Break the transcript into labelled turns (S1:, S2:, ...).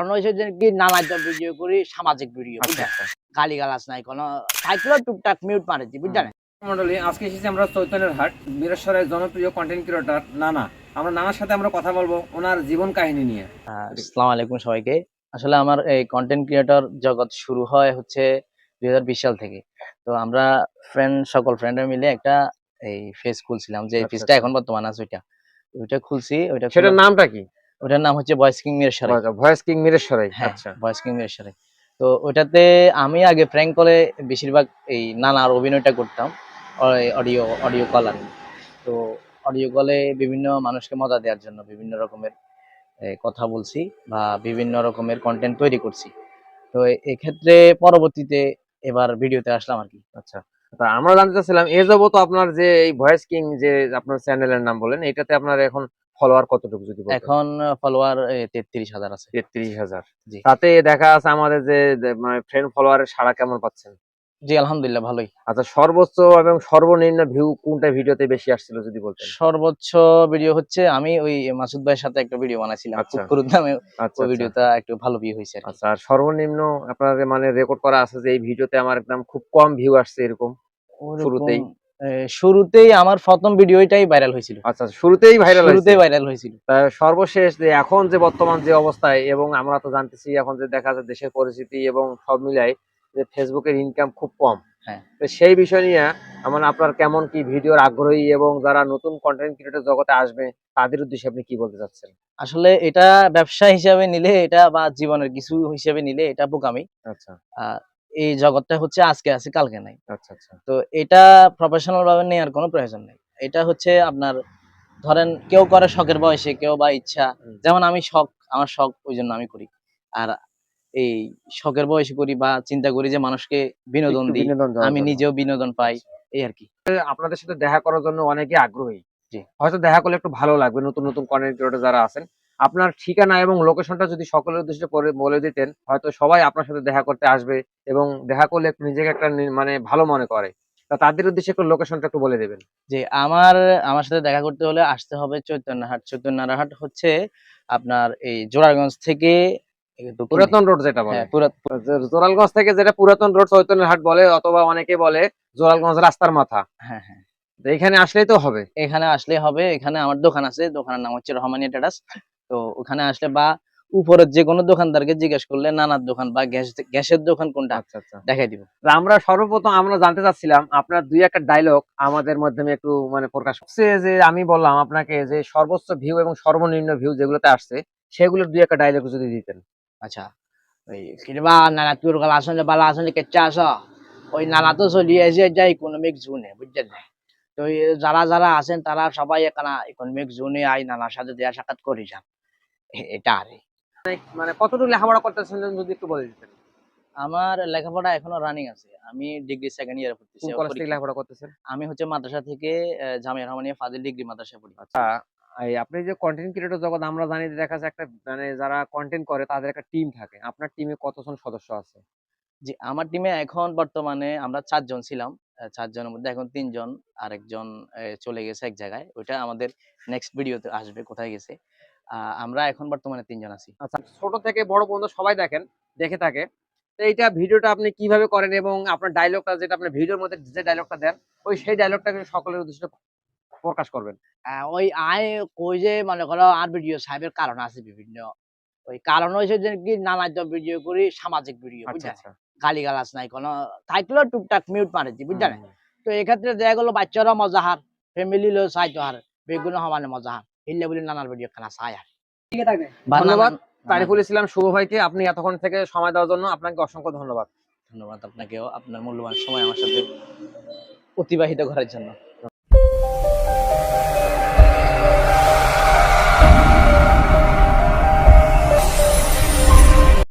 S1: কারণ হচ্ছে যে কি নানা ভিডিও করি, সামাজিক ভিডিও, বুঝছেন? গালিগালাজ নাই, কোনো থাকলেও টুকটাক মিউট মারেছি, বুঝছেন?
S2: মন্ডলী, আজকে এসেছি আমরা চৈতন্যের হাট, বীরেশ্বরের জনপ্রিয় কন্টেন্ট ক্রিয়েটর নানা। আমরা নানার সাথে আমরা কথা বলবো ওনার জীবন কাহিনী নিয়ে।
S1: আসসালামু আলাইকুম সবাইকে। আসলে আমার এই কন্টেন্ট ক্রিয়েটর জগৎ শুরু হয় হচ্ছে 2020 সাল থেকে। তো আমরা সকল ফ্রেন্ডরা মিলে একটা এই পেজ খুলছিলাম, যে পেজটা এখন বর্তমানে আছে ওইটা খুলছি।
S2: সেটার নামটা কি?
S1: ওটার নাম হচ্ছে voice king Mirsarai.
S2: Voice king Mirsarai.
S1: হ্যাঁ,
S2: আচ্ছা,
S1: ভয়েস কিং মিরসরাই। তো ওইটাতে আমি আগে প্র্যাঙ্ক কলে বেশিরভাগ এই নানার অভিনয়টা করতাম, অডিও অডিও কল আর কি। তো অডিও কলে বিভিন্ন মানুষকে মজা দেওয়ার জন্য বিভিন্ন রকমের কথা বলছি বা বিভিন্ন রকমের কন্টেন্ট তৈরি করছি। তো এক্ষেত্রে পরবর্তীতে এবার ভিডিওতে আসলাম আর কি।
S2: আচ্ছা। তা আমরা জানতে চাচ্ছিলাম, এ যাবত আপনার যে এই ভয়েস কিং যে আপনার চ্যানেলের নাম বলেন, এটাতে আপনার এখন ফলোয়ার কতটুকু যদি বলতেন?
S1: এখন ফলোয়ার 33,000 আছে।
S2: 33,000।
S1: জি
S2: তাতে দেখা আছে আমাদের যে মানে ফ্রেন্ড ফলোয়ারের সাড়া কেমন পাচ্ছেন?
S1: জি, আলহামদুলিল্লাহ ভালোই।
S2: আচ্ছা, সর্বোচ্চ এবং সর্বনিম্ন ভিউ কোনটা ভিডিওতে বেশি আসছিল যদি বলতেন?
S1: সর্বোচ্চ ভিডিও হচ্ছে আমি ওই মাসুদ ভাইয়ের সাথে একটা ভিডিও বানাইছিলাম,
S2: আচ্ছা,
S1: কুকুর নামে।
S2: আচ্ছা,
S1: ওই
S2: আচ্ছা,
S1: ভিডিওটা একটু ভালো ভিউ হয়েছে আর কি।
S2: আচ্ছা। আর সর্বনিম্ন আপনার মানে রেকর্ড করা আছে যে এই ভিডিওতে আমার একদম খুব কম ভিউ আসছে এরকম
S1: ওরকম
S2: শুরুতেই?
S1: শুরুতেই আমার প্রথম ভিডিওটাই ভাইরাল হয়েছিল।
S2: আচ্ছা, শুরুতেই ভাইরাল হয়েছে।
S1: শুরুতেই ভাইরাল হয়েছিল।
S2: তা সর্বশেষ যে এখন যে বর্তমান যে অবস্থায়, এবং আমরা তো জানতেছি এখন যে দেখা যায় দেশের পরিস্থিতি এবং সব মিলাই যে ফেসবুকের ইনকাম খুব কম।
S1: হ্যাঁ,
S2: তো সেই বিষয় নিয়ে মানে আপনার কেমন কি ভিডিওর আগ্রহী, এবং যারা নতুন কন্টেন্ট ক্রিয়েটর জগতে আসবে তাদের উদ্দেশ্যে আপনি কি বলতে চাচ্ছেন?
S1: আসলে এটা ব্যবসা হিসাবে নিলে এটা বা জীবনের কিছু হিসেবে নিলে এটা বোকামি।
S2: আচ্ছা,
S1: আহ, এই জগৎটা হচ্ছে আজকে আছে কালকে নাই।
S2: আচ্ছা, আচ্ছা,
S1: তো এটা প্রফেশনাল ভাবে নেওয়ার কোনো প্রয়োজন নেই। এটা হচ্ছে আপনার, ধরেন কেউ করে শখের বয়সে, কেউ বা ইচ্ছা। যেমন আমি শখ, আমার শখ ওই জন্য আমি করি। আর এই শখের বয়সে করি বা চিন্তা করি যে মানুষকে বিনোদন
S2: একটু
S1: দিই,
S2: বিনোদন দেওয়ার
S1: আমি
S2: জন্য।
S1: নিজেও বিনোদন পাই, এই আর কি।
S2: আপনাদের সাথে দেখা করার জন্য অনেকে আগ্রহী।
S1: জি,
S2: হয়তো দেখা করলে একটু ভালো লাগবে, নতুন নতুন কন্টেন্ট ক্রিয়েটর যারা আছেন। আপনার ঠিকানা এবং লোকেশনটা যদি সকলের উদ্দেশ্যে পরে বলে দিতেন, হয়তো সবাই আপনার সাথে দেখা করতে আসবে, এবং দেখা করলে একটু নিজেকে একটা মানে ভালো মনে করে। তা তাদের উদ্দেশ্যে একটু লোকেশনটা একটু বলে দেবেন।
S1: যে আমার সাথে দেখা করতে হলে আসতে হবে চৈতন্যহাট। চৈতন্যহাট হচ্ছে আপনার এই জোড়ারগঞ্জ থেকে দক্ষিণে।
S2: পুরাতন রোড যেটা বলে।
S1: হ্যাঁ, পুরা
S2: জোরালগঞ্জ থেকে যেটা পুরাতন রোড চৈতন্যের হাট বলে, অথবা অনেকে বলে জোরালগঞ্জ রাস্তার মাথা।
S1: হ্যাঁ, হ্যাঁ।
S2: তো এখানে আসলেই তো হবে।
S1: এখানে আসলে হবে। এখানে আমার দোকান আছে। দোকানের নাম হচ্ছে রহমানিয়া ট্রেডার্স। তো ওখানে আসলে বা উপরের যেকোনো দোকানদারকে জিজ্ঞেস করলে নানার দোকান বা গ্যাসের দোকান কোনটা
S2: আচ্ছা, আচ্ছা।
S1: দেখাই দিব।
S2: তা আমরা সর্বপ্রথম আমরা জানতে চাচ্ছিলাম আপনার দুই একটা ডায়লগ আমাদের মাধ্যমে একটু মানে প্রকাশ করছে, যে আমি বললাম আপনাকে যে সর্বোচ্চ ভিউ এবং সর্বনিম্ন ভিউ যেগুলোতে আসছে সেগুলোর দুই একটা ডায়লগ যদি দিতেন।
S1: আচ্ছা, ওই কিংবা নানা তোর গলা আসলে বালা আসলে কেচ্চা আস, ওই নানা তো চলিয়ে যে ইকোনমিক জোনে, বুঝছেন না? তো যারা আছেন তারা সবাই এখানে ইকোনমিক জোনে আই নানার সাথে দেয়া সাক্ষাৎ করে যান। এটা আরে
S2: মানে কতটুকু লেখাপড়া করতেছেন যদি একটু বলে দিতেন।
S1: আমার লেখাপড়া এখনো রানিং আছে। আমি ডিগ্রি সেকেন্ড ইয়ারে পড়তেছি।
S2: কোন কলেজ থেকে লেখাপড়া করতেছেন?
S1: আমি হচ্ছে মাদ্রাসা থেকে জামিয়া রহমানিয়া ফাজিল ডিগ্রি মাদ্রাসায় পড়ি।
S2: আচ্ছা, এই আপনি যে কন্টেন্ট ক্রিয়েটর জগৎ, আমরা জানি যে দেখা যায় একটা মানে যারা কন্টেন্ট করে তাদের একটা টিম থাকে। আপনার টিমে কতজন সদস্য আছে?
S1: জি, আমার টিমে এখন বর্তমানে আমরা ৪ জন ছিলাম। ৪ জনের মধ্যে এখন ৩ জন, আরেকজন চলে গেছে এক জায়গায়। ওইটা আমাদের নেক্সট ভিডিওতে আসবে কোথায় গেছে। আমরা এখন বর্তমানে ৩ জন আছি।
S2: আচ্ছা, ছোট থেকে বড় পর্যন্ত সবাই দেখে থাকে। তো এইটা ভিডিওটা আপনি কিভাবে করেন, এবং আপনার ডায়লগটা যেটা আপনার ভিডিওর মধ্যে যে ডায়লগটা দেন, সেই ডায়লগটাকে সকলের উদ্দেশ্যে প্রকাশ করবেন।
S1: ওই কই যে মনে করো আর ভিডিও সাহেবের কারণ আছে বিভিন্ন। ওই কারণ হইছে যে কি নানা ভিডিও করি, সামাজিক ভিডিও,
S2: আচ্ছা,
S1: বুঝছেন?
S2: আচ্ছা।
S1: গালিগালাজ নাই কোনো, থাকলেও টুকটাক মিউট মারেছি, বুঝছেন?
S2: হুম।
S1: তো এক্ষেত্রে দেখা গেল বাচ্চারা মজা হার, ফ্যামিলি লো চাইতো হার, বেগুন সমানে মজা হার। হিল্লে বলি নানার ভিডিও খানা চাই আর।
S2: ধন্যবাদ
S1: নানা
S2: তারিফুল ইসলাম শুভ ভাইকে, আপনি এতক্ষণ থেকে সময় দেওয়ার জন্য আপনাকে অসংখ্য ধন্যবাদ।
S1: ধন্যবাদ আপনাকেও আপনার মূল্যবান সময় আমার সাথে অতিবাহিত করার জন্য।